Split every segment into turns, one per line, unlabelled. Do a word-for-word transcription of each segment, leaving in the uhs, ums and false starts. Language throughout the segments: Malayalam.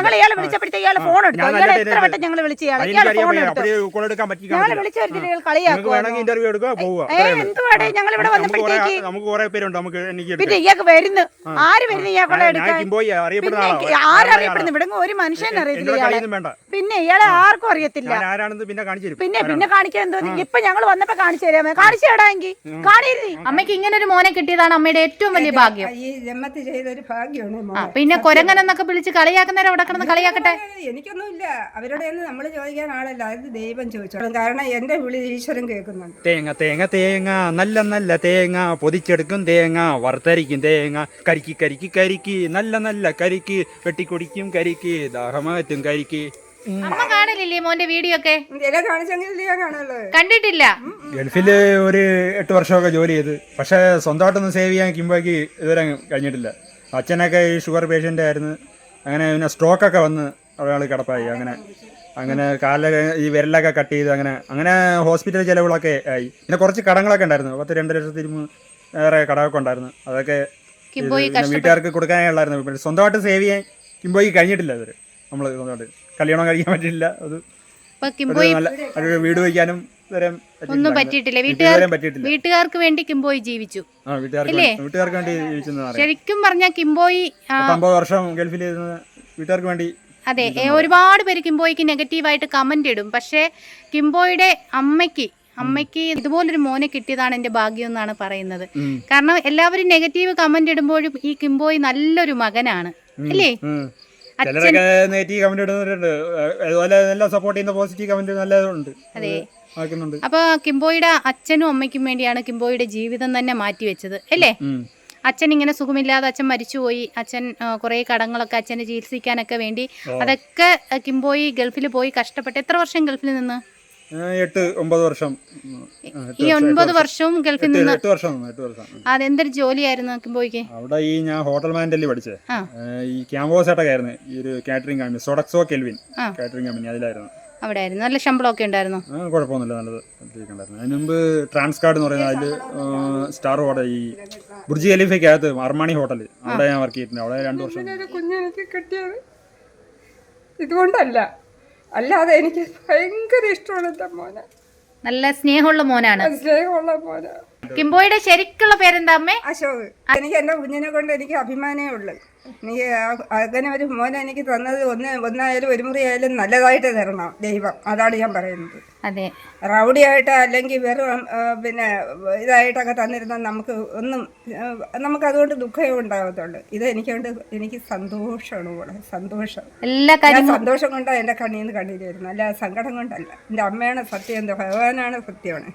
ഞങ്ങൾ ഇയാളെ വിളിച്ചപ്പോഴത്തേക്ക് ഇയാളെ ഫോൺ എടുത്തു. ഇയാളെ എത്ര വട്ടം ഞങ്ങൾ വിളിച്ചു ഇയാളെ ഇയാളെ ഫോൺ എടുത്തു. ഞങ്ങൾ വിളിച്ചു വരുത്തിട്ട് ഇയാൾ കളിയാക്കുക. എന്തുവാടേ ഞങ്ങൾ ഇവിടെ വന്നപ്പോഴത്തേക്ക് പിന്നെ ഇയാൾക്ക് വരുന്നു. ആര് വരുന്നു ഇയാളെ എടുക്കാൻ? ആരറിയപ്പെടുന്നു? ഇവിടെ ഒരു മനുഷ്യനെ അറിയത്തില്ല ഇയാളെ. പിന്നെ ഇയാളെ ആർക്കും അറിയത്തില്ല. പിന്നെ പിന്നെ കാണിക്കാൻ എന്തോ ഇപ്പൊ ഞങ്ങൾ വന്നപ്പോ കാണിച്ചു തരാമേ. കാണിച്ചു തരാമെങ്കിൽ കാണിയിരുന്നേ.
അമ്മയ്ക്ക് ഇങ്ങനെ ഒരു മോനെ കിട്ടിയതാണ് അമ്മയുടെ ഏറ്റവും വലിയ ഭാഗ്യം.
ഈ ജന്മത്തിൽ ചെയ്തൊരു ഭാഗ്യമാണ്.
പിന്നെ കൊരങ്ങൻ എന്നൊക്കെ വിളിച്ച് കളിയാക്കുന്നവരെ അവിടെ കിടന്ന് കളിയാക്കട്ടെ.
എനിക്കൊന്നുമില്ല, അവരോട് നമ്മൾ ചോദിക്കാൻ ആളല്ല, അത് ദൈവം ചോദിച്ചോളും. കാരണം എന്റെ വിളി ഈശ്വരൻ കേൾക്കുന്നുണ്ട്.
തേങ്ങ തേങ്ങ തേങ്ങ നല്ല നല്ല തേങ്ങ പൊതിച്ചെടുക്കും തേങ്ങ വറുത്തരിക്കും തേങ്ങ കരിക്ക് കരിക്ക് കരിക്ക് നല്ല നല്ല കരിക്ക് വെട്ടിക്കുടിക്കും കരിക്ക് ദാഹമാറ്റും കരിക്ക്.
അമ്മ കാണില്ലേ മോന്റെ വീഡിയോ ഒക്കെ? കണ്ടിട്ടില്ല.
ഗൾഫില് ഒരു എട്ട് വർഷമൊക്കെ ജോലി ചെയ്ത്, പക്ഷെ സ്വന്തമായിട്ടൊന്നും സേവ് ചെയ്യാൻ കിംബോയ്ക്ക് ഇതുവരെ കഴിഞ്ഞിട്ടില്ല. അച്ഛനൊക്കെ ഈ ഷുഗർ പേഷ്യൻ്റ് ആയിരുന്നു. അങ്ങനെ പിന്നെ സ്ട്രോക്കൊക്കെ വന്ന് ഒരാൾ കിടപ്പായി. അങ്ങനെ അങ്ങനെ കാലിലൊക്കെ ഈ വിരലൊക്കെ കട്ട് ചെയ്ത് അങ്ങനെ അങ്ങനെ ഹോസ്പിറ്റൽ ചിലവുകളൊക്കെ ആയി. പിന്നെ കുറച്ച് കടങ്ങളൊക്കെ ഉണ്ടായിരുന്നു. പത്ത് രണ്ട് ലക്ഷത്തി വേറെ കടമൊക്കെ ഉണ്ടായിരുന്നു. അതൊക്കെ വീട്ടുകാർക്ക് കൊടുക്കാനുള്ളായിരുന്നു. പിന്നെ സ്വന്തമായിട്ട് സേവ് ചെയ്യാൻ കിംബോയ്ക്ക് കഴിഞ്ഞിട്ടില്ല ഇവര്. നമ്മൾ സ്വന്തമായിട്ട് കല്യാണം കഴിക്കാൻ പറ്റില്ല. അത് നല്ല വീട് വയ്ക്കാനും
ഒന്നും പറ്റിയിട്ടില്ല. വീട്ടുകാർ വീട്ടുകാർക്ക് വേണ്ടി കിംബോയി ജീവിച്ചു.
വീട്ടുകാർക്ക് വേണ്ടി ജീവിച്ചു.
ശരിക്കും പറഞ്ഞാൽ കിംബോയി
അമ്പത് വർഷം ഗൾഫിൽ വീട്ടുകാർക്ക് വേണ്ടി.
അതെ, ഒരുപാട് പേര് കിംബോയ്ക്ക് നെഗറ്റീവായിട്ട് കമന്റ് ഇടും. പക്ഷേ കിംബോയുടെ അമ്മയ്ക്ക് അമ്മയ്ക്ക് ഇതുപോലൊരു മോനെ കിട്ടിയതാണ് എന്റെ ഭാഗ്യം എന്നാണ് പറയുന്നത്. കാരണം എല്ലാവരും നെഗറ്റീവ് കമന്റ് ഇടുമ്പോഴും ഈ കിംബോയി നല്ലൊരു മകനാണ് അല്ലേ?
ചിലരൊക്കെ നെഗറ്റീവ് കമന്റ് ഇടുന്നവരുണ്ട്, അതുപോലെ നല്ല സപ്പോർട്ട് ചെയ്യുന്ന പോസിറ്റീവ് കമന്റ് നല്ലതുണ്ട്.
അതെ. അപ്പൊ കിംബോയുടെ അച്ഛനും അമ്മയ്ക്കും വേണ്ടിയാണ് കിംബോയുടെ ജീവിതം തന്നെ മാറ്റിവെച്ചത് അല്ലേ? അച്ഛൻ ഇങ്ങനെ സുഖമില്ലാതെ അച്ഛൻ മരിച്ചുപോയി. അച്ഛൻ കുറെ കടങ്ങളൊക്കെ അച്ഛനെ ചികിത്സിക്കാനൊക്കെ വേണ്ടി അതൊക്കെ കിംബോയി ഗൾഫിൽ പോയി കഷ്ടപ്പെട്ട്. എത്ര വർഷം ഗൾഫിൽ നിന്ന്?
എട്ട് ഒമ്പത് വർഷം.
ഈ ഒൻപത് വർഷവും ഗൾഫിൽ നിന്ന്.
അതെന്തൊരു
ജോലിയായിരുന്നു കിംബോയ്ക്ക്?
അവിടെ ഈ ഞാൻ ഹോട്ടൽ മാനേജറിൽ പഠിച്ചേ. ഈ ക്യാമ്പോസ് ആയിട്ടൊക്കെ ആയിരുന്നു. ഈ ഒരു catering company Sodexo Kelvin catering company, അതിലായിരുന്നു.
അവിടെ ആയിരുന്നു. നല്ല ശമ്പളമൊക്കെ ഉണ്ടായിരുന്നു.
കുഴപ്പമൊന്നുമില്ല, നല്ലത് ഉണ്ടായിരുന്നു. അതിന് മുമ്പ് ട്രാൻസ്കാർഡ് എന്ന് പറയുന്നത് അതിൽ സ്റ്റാർ ഹോട്ടൽ, ഈ ബുർജ് ഖലീഫയ്ക്കകത്ത് അർമാണി ഹോട്ടൽ, അവിടെ ഞാൻ വർക്ക് ചെയ്തിട്ടുണ്ട്. അവിടെ രണ്ടു വർഷം.
കുഞ്ഞെനിക്ക് കിട്ടിയത് ഇതുകൊണ്ടല്ല, അല്ലാതെ എനിക്ക് ഭയങ്കര ഇഷ്ടമാണ് എന്റെ മോനെ.
നല്ല സ്നേഹമുള്ള മോനാണ്.
സ്നേഹമുള്ള മോനാ.
കിംബോയുടെ ശരിക്കുള്ള പേരെന്താ അമ്മേ?
അശോക്. എനിക്ക് എന്റെ കുഞ്ഞിനെ കൊണ്ട് എനിക്ക് അഭിമാനമേ ഉള്ളു. എനിക്ക് അങ്ങനെ ഒരു മോനെ എനിക്ക് തന്നത് ഒന്ന് ഒന്നായാലും ഒരു മുറി ആയാലും നല്ലതായിട്ട് തരണം ദൈവം. അതാണ് ഞാൻ പറയുന്നത്.
അതെ,
റൗഡിയായിട്ട് അല്ലെങ്കിൽ വെറും പിന്നെ ഇതായിട്ടൊക്കെ തന്നിരുന്നാൽ നമുക്ക് ഒന്നും നമുക്ക് അതുകൊണ്ട് ദുഃഖമേ ഉണ്ടാകത്തുള്ളൂ. ഇത് എനിക്കൊണ്ട് എനിക്ക് സന്തോഷമാണ് കൂടെ, സന്തോഷം.
എല്ലാ കാര്യം
സന്തോഷം കൊണ്ടാണ് എൻ്റെ കണ്ണിൽ നിന്ന് കണ്ണീര് വരുന്നത്, അല്ല സങ്കടം കൊണ്ടല്ല. എൻ്റെ അമ്മയാണ് സത്യം, എന്താ ഭഗവാനാണ് സത്യമാണ്.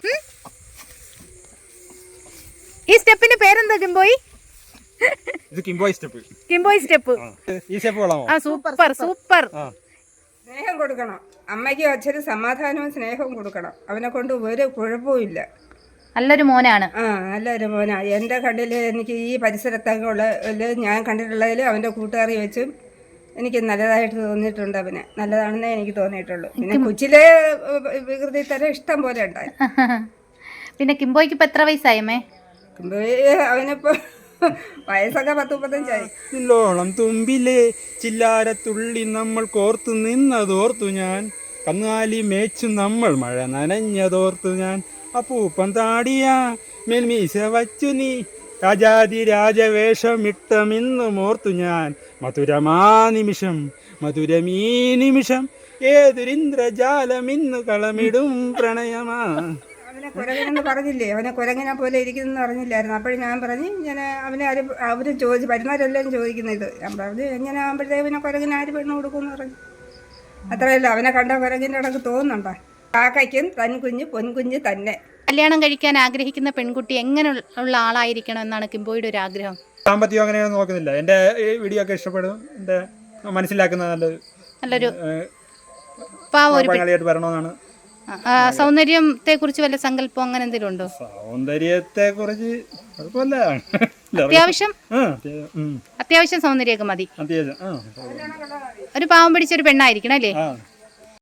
ഈ സ്റ്റെപ്പിന്റെ പേരെന്താ കിംബോയി?
ഇത് കിംബോയ് സ്റ്റെപ്പ്.
കിംബോയ് സ്റ്റെപ്പ്.
ഈ സ്റ്റെപ്പ് കൊള്ളാമോ?
ആ സൂപ്പർ സൂപ്പർ.
സ്നേഹം കൊടുക്കണം, അമ്മയ്ക്കും അച്ഛനും സമാധാനവും സ്നേഹവും കൊടുക്കണം. അവനെ കൊണ്ട് ഒരു കുഴപ്പവും.
നല്ലൊരു മോനാണ്.
ആ നല്ലൊരു മോനാ. എൻ്റെ കണ്ണിൽ എനിക്ക് ഈ പരിസരത്തൊക്കെ ഉള്ള ഞാൻ കണ്ടിട്ടുള്ളതിൽ അവൻ്റെ കൂട്ടുകാരി വെച്ചും എനിക്ക് നല്ലതായിട്ട് തോന്നിയിട്ടുണ്ട്. അവനെ നല്ലതാണെന്നേ എനിക്ക് തോന്നിയിട്ടുള്ളൂ. പിന്നെ കൊച്ചിലെ വികൃതി തരം ഇഷ്ടം പോലെ ഉണ്ടായി.
പിന്നെ കിംബോയ്ക്ക് ഇപ്പൊ എത്ര വയസ്സായമ്മേ?
അവനിപ്പോ വയസ്സൊക്കെ പത്ത് മുപ്പത്തഞ്ചായി.
ഇല്ലോളം തുമ്പിലെ ചില്ലാരത്തുള്ളി നമ്മൾ കോർത്തു നിന്നതോർത്തു ഞാൻ, കന്നാലി മേച്ചു നമ്മൾ മഴ നനഞ്ഞതോർത്തു ഞാൻ, അപ്പൂപ്പൻ താടിയ മേൽമീശ വച്ചു നീ രാജാതി രാജവേഷമിട്ടമിന്നും ഓർത്തു ഞാൻ, മധുരമാ നിമിഷം മധുരമീ നിമിഷം ഏതൊരിന്ദ്രജാലമിന്നു കളമിടും പ്രണയമാ.
അവനെ കുരങ്ങനെന്ന് പറഞ്ഞില്ലേ, അവനെ കുരങ്ങനെ പോലെ ഇരിക്കുന്നെന്ന് പറഞ്ഞില്ലായിരുന്നു. അപ്പോഴും ഞാൻ പറഞ്ഞു ഇങ്ങനെ അവനെ ആര് അവർ ചോദിച്ചു, വരുന്നവരെല്ലാം ചോദിക്കുന്നത് ഇത്. ഞാൻ പറഞ്ഞു എങ്ങനെ ആകുമ്പോഴത്തേക്ക് പിന്നെ കുരങ്ങിന് ആര് പെണ്ണ് കൊടുക്കുമെന്ന് പറഞ്ഞു. അത്രയല്ല, അവനെ കണ്ട കുരങ്ങിൻ്റെ ഇടക്ക് തോന്നുന്നുണ്ടോ? കാക്കയ്ക്കും തൻകുഞ്ഞ് പൊൻകുഞ്ഞ് തന്നെ.
കല്യാണം കഴിക്കാൻ ആഗ്രഹിക്കുന്ന പെൺകുട്ടി എങ്ങനെ ഉള്ള ആളായിരിക്കണം എന്നാണ് കിംബോയുടെ ഒരു ആഗ്രഹം?
സാമ്പത്തികം അങ്ങനെയൊന്നും നോക്കുന്നില്ല. എൻ്റെ ഈ വീഡിയോ ഒക്കെ ഇഷ്ടപ്പെടും, എൻ്റെ മനസ്സിലാക്കുന്ന നല്ലൊരു നല്ലൊരു പങ്കാളിയായിട്ട് വരണമെന്നാണ്.
സൗന്ദര്യത്തെ കുറിച്ച് വല്ല സങ്കല്പം അങ്ങനെ എന്തെങ്കിലും ഉണ്ടോ?
സൗന്ദര്യത്തെ കുറിച്ച് കുഴപ്പമില്ല,
അത്യാവശ്യം അത്യാവശ്യം സൗന്ദര്യമൊക്കെ മതി.
അത്യാവശ്യം
ഒരു പാവം പിടിച്ചൊരു പെണ്ണായിരിക്കണം അല്ലേ?